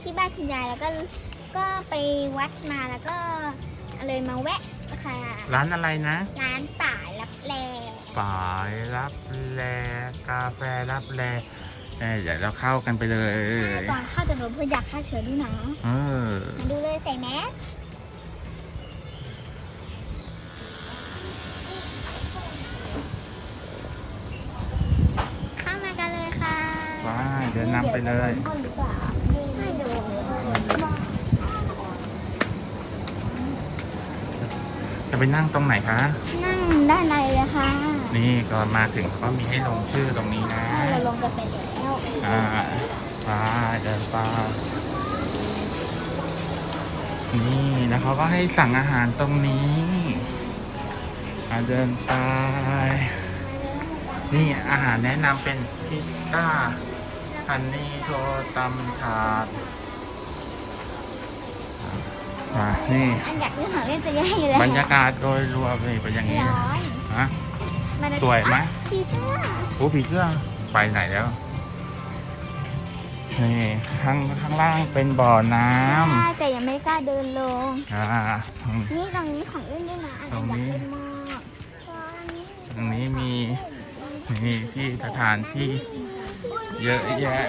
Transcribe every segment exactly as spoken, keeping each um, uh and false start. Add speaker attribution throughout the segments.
Speaker 1: ที่บ้านคุณยายแล้วก็ก็ไปวัดมาแล้วก็เลยมาแวะค่ะ
Speaker 2: ร้านอะไรนะ
Speaker 1: ร้านป่ารับแล
Speaker 2: ป่ายรับแลกาแฟรับแลเอ้ยเดี๋ยวเราเข้ากันไปเลย
Speaker 1: ใช่ก่อนเข้าจะโดนเพื่ออยากฆ่าเชื้อด้วยนะ
Speaker 2: เออ
Speaker 1: มาดูเลยใส่แมสเข้ามากันเลยค่ะ
Speaker 2: ไปเดินนำไปเลย
Speaker 1: ห้องหรือเปล่าไม่ดู
Speaker 2: จะไปนั่งตรงไหนคะ
Speaker 1: นั่งด้านในเลยค่ะ
Speaker 2: นี่ก็มาถึงก็มีให้ลงชื่อตรงนี้นะ
Speaker 1: ใช่เราลงกันไปแล้ว
Speaker 2: อ่าไปเดินไปนี่แล้วเขาก็ให้สั่งอาหารตรงนี้อ่าเดินไปนี่อาหารแนะนำเป็นพิซซ่าฮันนี่โทตำถาดอ่านี่
Speaker 1: อันอยากเรื่องของเล่นจะแย่อยู่แล้ว
Speaker 2: บรรยากาศโดยรวมนี่เป็นอย่างนี้
Speaker 1: ร้อน
Speaker 2: ฮะ
Speaker 1: มัน
Speaker 2: สวยไหม
Speaker 1: ผีเสื้อ
Speaker 2: โอ้ผีเสื้อไปไหนแล้วนี่ข้างข้างล่างเป็นบ่อน้ำ
Speaker 1: ใช่แต่ยังไม่กล้าเดินลง
Speaker 2: อ่า
Speaker 1: นี่ตรงนี้ของเล่นด้วยนะอัน
Speaker 2: ตรง
Speaker 1: อยาก
Speaker 2: นี้
Speaker 1: เล่นมาก
Speaker 2: ตรงนี้มีนี่ที่สถานที่เยอะแยะ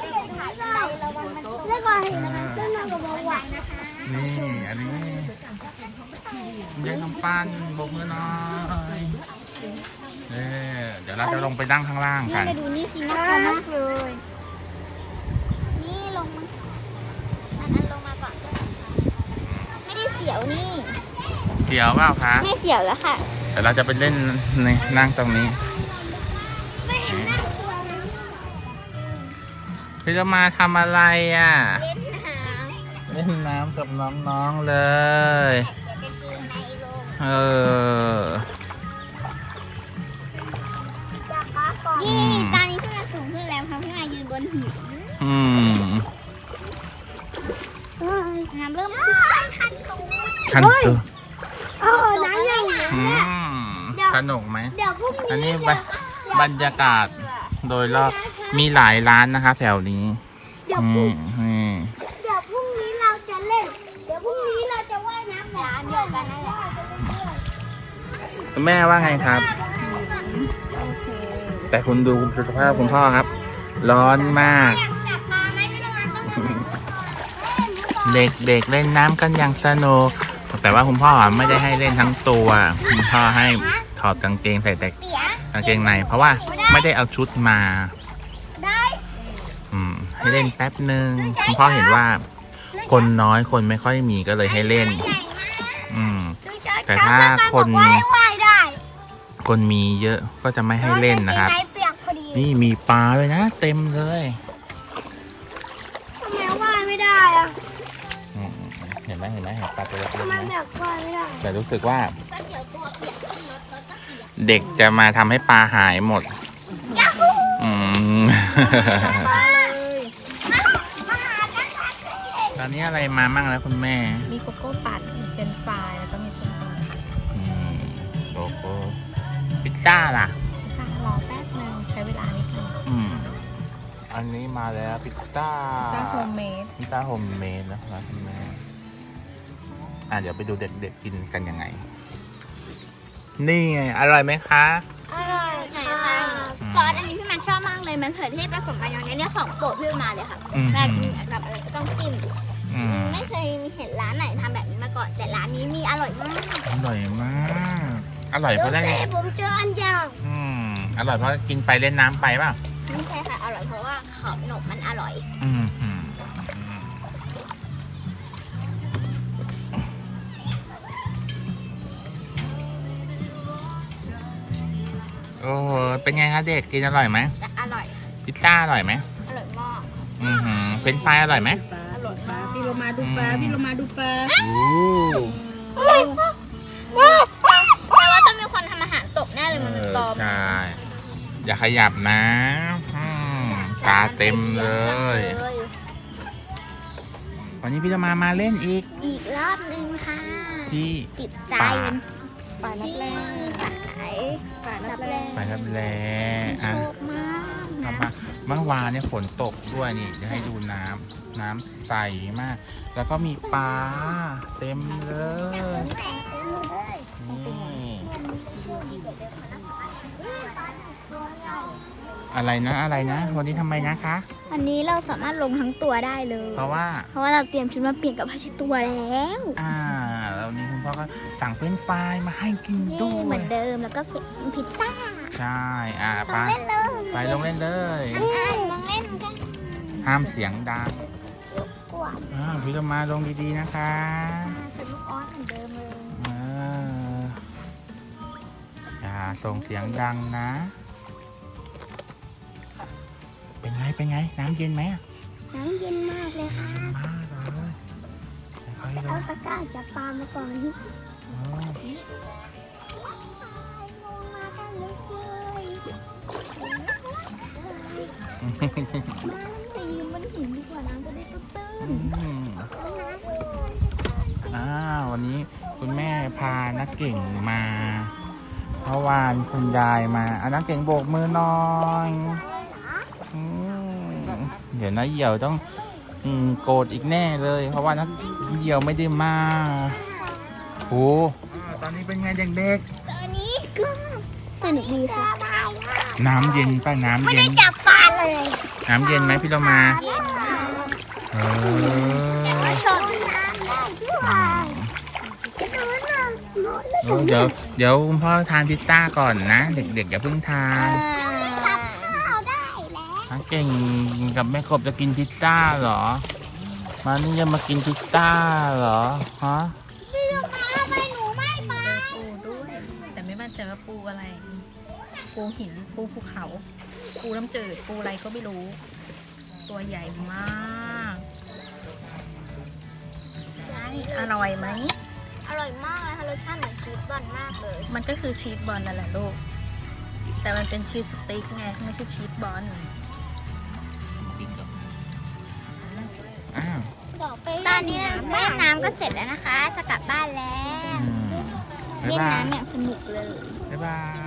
Speaker 1: เรื่องก่อน
Speaker 2: อ่า
Speaker 1: เรื่องกับเบาหวานนะคะ
Speaker 2: นี่อันนี้เย็นน้ำปั้นโบกมือหน่อยเอ่เดี๋ยวเราจะลงไปนั่งข้างล่าง
Speaker 1: นี่
Speaker 2: กัน
Speaker 1: ไปดูนี่สิน่ากลัวมากเลย นี่ลงมาอันนั้นลงมาก่อนก็ได้ค่ะไม่ได้เสียวนี่
Speaker 2: เดี๋ยวเปล่าคะ
Speaker 1: ไม่เสียวแล้วค่ะ
Speaker 2: เดี๋ยวเราจะไปเล่นในนั่งตรงนี้พี่จะมาทำอะไรอ่ะ
Speaker 1: เล่นน้ำ
Speaker 2: เล่นน้ำกับน้องๆเลย
Speaker 1: เดี๋ยวจะกินในลง
Speaker 2: เออ
Speaker 1: นี่ตอนนี้พี่มาสูงขึ้นแล้วครับพี่มายืนบนหิน
Speaker 2: อืม
Speaker 1: น้ำเริ่มทันตรง
Speaker 2: คันตัว
Speaker 1: เออน้ำใหญ่
Speaker 2: อืมสนุกไหม
Speaker 1: เดี๋ยวพรุ่ง
Speaker 2: อัน
Speaker 1: นี้
Speaker 2: นี้บรรบรรยากาศโดยรอบมีหลายร้านนะคะแถวนี้
Speaker 1: เดี๋ยว
Speaker 2: อื
Speaker 1: พรุ่ง
Speaker 2: มอืม
Speaker 1: เดี๋ยวพรุ่งนี้เราจะเล่น เดี๋ยวพรุ่งนี้เราจะว่ายน้ำร้านเดียวกันนั่นแหละ
Speaker 2: แม่ว่าไงครับ แต่คุณดูสุขภาพคุณพ่อครับ ร้อนมาก
Speaker 1: อยากจับปลาไหมพี่ละมันต้องทำแบบนี้
Speaker 2: เด็กเด็กเล่นน้ำกันอย่างสนุกแต่ว่าคุณพ่อไม่ได้ให้เล่นทั้งตัวคุณพ่อให้ถอดกางเกงใส่แต่
Speaker 1: เปีย
Speaker 2: กางเกงในเพราะว่าไม่ได้เอาชุดมา
Speaker 1: ได้
Speaker 2: อืมให้เล่นแป๊บหนึ่งคุณพ่อเห็นว่า คนน้อยคนไม่ค่อยมีก็เลยให้เล่น
Speaker 1: ใหญ่มาก
Speaker 2: อืม
Speaker 1: ดูเชิด
Speaker 2: แต่ถ้าคน
Speaker 1: ว่ายว่ายได้
Speaker 2: คนมีเยอะก็จะไม่ให้เล่นนะครับ
Speaker 1: กางเกงในเปียกพอดี
Speaker 2: นี่มีปลาเลยนะ เต็มเลย
Speaker 1: ทำไมว่ายไม่ได้อะ
Speaker 2: อืมเห็นไหมเห็นไหมเห็นปลาตัวเล็ก
Speaker 1: ทำไม
Speaker 2: ๆไหม
Speaker 1: แบบว่ายไม่ได้
Speaker 2: แต่รู้สึกว่า
Speaker 1: ก็เดี๋ยวตัวเปียกขึ้นรถรถก็เปียก
Speaker 2: เด็กจะมาทำให้ปลาหายหมด
Speaker 1: ยาฮู
Speaker 2: อืม
Speaker 1: มาเลยมามาหากันค่ะ
Speaker 2: ตอนนี้อะไรมามั่งแล้วคุณแม่
Speaker 3: มีโกโก้ปั่นเป็นฟรายแล้วก็มีส้มตำค่ะ
Speaker 2: อืมโกโก้พิซซ่าล่ะ
Speaker 3: ค่ะรอแป๊บนึงใช้เวลานิดนึง
Speaker 2: อืม อันนี้มาแล้วพิซซ่า
Speaker 3: พิซซ่าโฮมเมด
Speaker 2: พิซซ่าโฮมเมดนะครับคุณแม่อ่ะเดี๋ยวไปดูเด็กๆกินกันยังไง นี่ไงอร่อยไหมคะ
Speaker 1: อร่อยค่ะซอสอันนี้พี่มันชอบมากเลยมันเผือเทศผสมมายองเนสเนี่ยของโปรดพี่มาเลยค่ะ
Speaker 2: อืม
Speaker 1: แต่กินกับอะไรก็ต้องจิ้ม
Speaker 2: อืม
Speaker 1: ไม่เคยมีเห็นร้านไหนทำแบบนี้มาก่อน แต่ร้านนี้มีอร่อยมาก
Speaker 2: อร่อยมาก อร่อยเพราะได้
Speaker 1: ดูสิผมเจออันยาว
Speaker 2: อืม อร่อยเพราะกินไปเล่นน้ำไปเปล่ะ
Speaker 1: ไม่ใช่ค่ะ อร่อยเพราะว่าขอบหนมมันอร่อย
Speaker 2: อืมอืมอืมโอ้โหเป็นไงคะเด็กกินอร่อยไหม
Speaker 1: แต่อร่อย
Speaker 2: พิซซ่าอร่อยไหม
Speaker 1: อร่อยมาก
Speaker 2: อือหือเฟรนช์ฟรายอร่อยไหม
Speaker 3: อร่อยมากพี่โรมาดูปลาพี่โรมาดูปลา
Speaker 2: อู้
Speaker 1: อร่อยมากแต่ว่าต้องมีคนทำอาหารตกแน่เลยมันเป็นตอม
Speaker 2: ใช่อย่าขยับนะอืมตาเต็มเลย วันนี้พี่จะมามาเล่นอีก
Speaker 1: อีกรอบหนึงค่ะ
Speaker 2: ที่
Speaker 1: ติดใจ
Speaker 2: ป่า
Speaker 3: ป่านับ
Speaker 1: ที่
Speaker 3: แรก
Speaker 1: สาย
Speaker 3: ป่านับแรก
Speaker 2: ไปครับแล้
Speaker 1: ที่
Speaker 2: อ่ะ
Speaker 1: โชคมาก
Speaker 2: ครับ
Speaker 1: นะ
Speaker 2: มาเมื่อวานเนี่ยฝนตกด้วยนี่จะให้ดูน้ำน้ำใสมาก แล้วก็มีปลาเต็มเลย นี่อะไรนะอะไรนะ วันนี้ทำไมนะคะ
Speaker 1: อันนี้เราสามารถลงทั้งตัวได้เลย
Speaker 2: เพราะว่า
Speaker 1: เพราะว่าเราเตรียมชุดมาเปลี่ยนกับผ้าเช็ดตัวแล้ว
Speaker 2: อ่าแล้วนี่คุณพ่อก็สั่งเฟรนช์ฟรายมาให้กินด้
Speaker 1: นี่
Speaker 2: ว
Speaker 1: เหมื
Speaker 2: ย
Speaker 1: อนเดิมแล้วก็พิซซ่า
Speaker 2: ใช่ อ่า
Speaker 1: ล
Speaker 2: ไป
Speaker 1: องเล่นเลย
Speaker 2: ไปลงเล่นเลย
Speaker 1: อ่ะลองเล่นกัน
Speaker 2: ห้ามเสียงดัง
Speaker 1: กวาด
Speaker 2: อ่าพี่ลงมาลงดีๆนะคะ
Speaker 1: เป็นลูกออสเหมือนเดิมเลย
Speaker 2: อ่าอย่าส่งเสียงดังนะ เป็นไง เป็นไง น้ำเย็นไหมอะ
Speaker 1: น้ำเย็นมากเลยค่ะ
Speaker 2: เย็นมากเลยค่อยๆล
Speaker 1: เอา
Speaker 2: ง
Speaker 1: ตะกร้าจับปลามาก่อน
Speaker 2: อ๋อ
Speaker 1: ลงมากันเลยมาไปยืนบนหินดีกว่าน้ำจะได้ตื้น
Speaker 2: อืมอ่าวันนี้คุณแม่พานักเก่งมาเพราะวานคุณยายมาอ่ะนักเก่งโบกมือหน่อยอืมเดี๋ยวนะเหี่ยวต้องอืมโกรธอีกแน่เลย เพราะว่านักเหี่ยวไม่ได้มาโอ้ตอนนี้เป็นไงเด็ก
Speaker 1: ตอนนี้ก็สนุกดีค่ะ
Speaker 2: ๆน้ำเย็นป่ะน้ำ
Speaker 1: ไม่
Speaker 2: เย็
Speaker 1: ได้
Speaker 2: น
Speaker 1: จับปลาเลย
Speaker 2: น้ำเย็นไหมพี่เรามา
Speaker 1: เย็นมาก
Speaker 2: เออ
Speaker 1: มาชมน้ำได้ด้วยจะทำน้ำหมดเลย
Speaker 2: เออเดี๋ยวเดี๋ยวคุณพ่อทานพิซซ่าก่อนนะ เด็กๆอย่าเพิ่งทาน
Speaker 1: จับข้าวได้แล้ว
Speaker 2: นักเก่งกับแม่กบจะกินพิซซ่าเหรอ มานี่จะมากินพิซซ่าเหรอ ฮะ
Speaker 1: พี่ลูกมาทำไมหนูไม่ไป
Speaker 3: ปูด้วย แต่ไม่มั่นใจว่าปูอะไร ปูหิน ปูภูเขา ปูน้ำจืด ปูอะไรก็ไม่รู้ ตัวใหญ่มาก อร่อยไหม
Speaker 1: อร่อยมากเลยค่ะรสชาติเหมือนชีสบอลมากเลย
Speaker 3: มันก็คือชีสบอลนั่นแหละลูก แต่มันเป็นชีสสติ๊กไง ไม่ใช่ชีสบอล
Speaker 2: อ้าว
Speaker 1: ตอนนี้เล่นน้ำก็เสร็จแล้วนะคะ จะกลับบ้านแล้ว
Speaker 2: อืมบ๊าย
Speaker 1: เล่น
Speaker 2: บาย
Speaker 1: น้ำอย่างสนุกเลย
Speaker 2: บ๊ายบาย